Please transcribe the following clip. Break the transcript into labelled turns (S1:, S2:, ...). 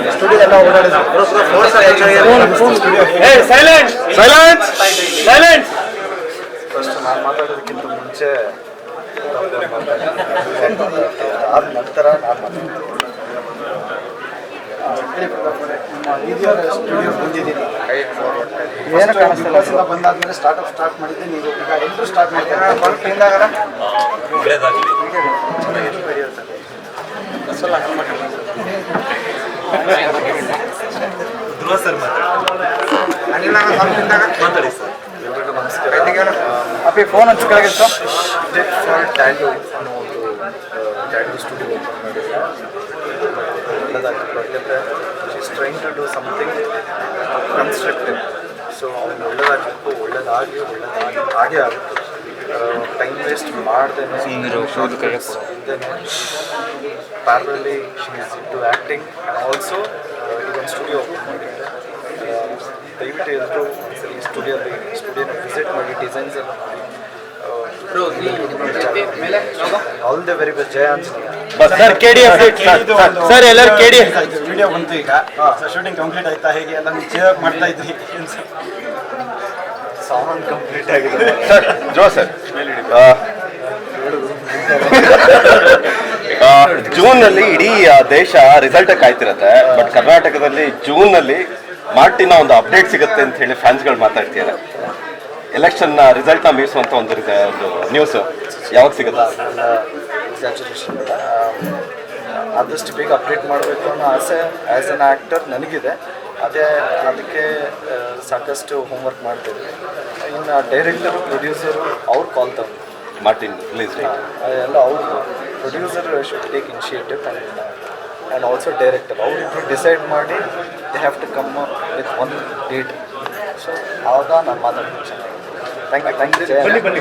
S1: Studio ಎಲ್ಲ ಓಡಾಡಿದ್ರು. First ನಾನು ಮಾತಾಡೋದಕ್ಕಿಂತ ಮುಂಚೆ ಆದ ನಂತರ ನಾನು ಸ್ಟುಡಿಯೋ ಬಂದಿದ್ದೀನಿ. ಏನು ಕಾಣಿಸ್ತಿಲ್ಲ, ಬಂದಾದ್ಮೇಲೆ ಸ್ಟಾರ್ಟ್ ಮಾಡಿದ್ದೆ. ನೀವು ಈಗ ಎಲ್ಲರೂ ಸ್ಟಾರ್ಟ್ ಮಾಡ್ತಾರೆ. ಧ್ರುವ ಸರ್ ಮಾತಾಡಿ ಸರ್. ಎಲ್ರಿಗೂ ನಮಸ್ಕಾರ. ಅಪ್ಪಿ ಫೋನ್ ಹಚ್ಚಿ ಕೆಳಗಿತ್ತು. ಫಾರ್ ಡ್ಯಾಡಿ ಅನ್ನೋ ಒಂದು ಡ್ಯಾಡಿ ಸ್ಟುಡಿಯೋ ಓಪನ್ ಮಾಡಿದ್ರೆ ಒಳ್ಳೆದಾಗಿತ್ತು. ಯಾಕೆಂದರೆ she's trying to do something constructive. So ಅವ್ನು ಒಳ್ಳೆದಾಗಿ ಹಾಗೆ ಆಗುತ್ತೆ. ಟೈಮ್ ವೇಸ್ಟ್ ಮಾಡ್ದೇನೆ ಪ್ಯಾರಲಲ್ಲಿ she is into acting and also ಇದೊಂದು ಸ್ಟುಡಿಯೋ ಓಪನ್ ಮಾಡಿದ್ದೆ. ದಯವಿಟ್ಟು ಎಲ್ಲರೂ ಒಂದ್ಸರಿ ಸ್ಟುಡಿಯೋನ ವಿಸಿಟ್ ಮಾಡಿ, ಡಿಸೈನ್ಸ್ ಎಲ್ಲ ಮಾಡಿ. All the very best. ಜಯ ಆಂಜನೇಯ.
S2: ಸರ್ KDF ಸರ್ ಎಲ್ಲರೂ KDF
S1: ವಿಡಿಯೋ ಬಂತು ಈಗ. ಶೂಟಿಂಗ್ ಕಂಪ್ಲೀಟ್ ಆಯ್ತಾ? ಹೇಗೆ ಎಲ್ಲ ನೀವು ಮಾಡ್ತಾ ಇದ್ರಿ? ಸಾಮಾನು ಕಂಪ್ಲೀಟ್ ಆಗಿದೆ
S2: ಸರ್. ಜೋ ಸರ್, ಜೂನ್ನಲ್ಲಿ ಇಡೀ ದೇಶ ರಿಸಲ್ಟ್ ಕಾಯ್ತಿರತ್ತೆ. ಬಟ್ ಕರ್ನಾಟಕದಲ್ಲಿ ಜೂನ್ನಲ್ಲಿ ಮಾರ್ಟಿನ ಒಂದು ಅಪ್ಡೇಟ್ ಸಿಗುತ್ತೆ ಅಂತ ಹೇಳಿ ಫ್ಯಾನ್ಸ್ಗಳು ಮಾತಾಡ್ತಿದ್ದಾರೆ. ಎಲೆಕ್ಷನ್ ರಿಸಲ್ಟ್ನ ಮೀರಿಸುವಂಥ ಒಂದು ನ್ಯೂಸ್ ಯಾವಾಗ ಸಿಗುತ್ತೆ?
S1: ಎಕ್ಸಾಜುರೇಷನ್ ಇಲ್ಲ, ಆದಷ್ಟು ಬೇಗ ಅಪ್ಡೇಟ್ ಮಾಡಬೇಕು ಅನ್ನೋ ಆಸೆ ಆ್ಯಸ್ ಎನ್ ಆ್ಯಕ್ಟರ್ ನನಗಿದೆ. ಅದಕ್ಕೆ ಸಾಕಷ್ಟು ಹೋಮ್ವರ್ಕ್ ಮಾಡ್ತಿದ್ವಿ. ಇನ್ನು ಡೈರೆಕ್ಟರು, ಪ್ರೊಡ್ಯೂಸರು ಅವ್ರು ಕಾಲ್ ತಗೊಂಡು
S2: ಮಾರ್ಟಿನ್ ರಿಲೀಸ್
S1: ಎಲ್ಲ ಅವರು producer should take initiative and also director ಅವರಿಬ್ಬರು ಡಿಸೈಡ್ ಮಾಡಿ they have to come with one date. So ಆವಾಗ ನಾನು ಮಾತಾಡ್ತೀನಿ. Thank you.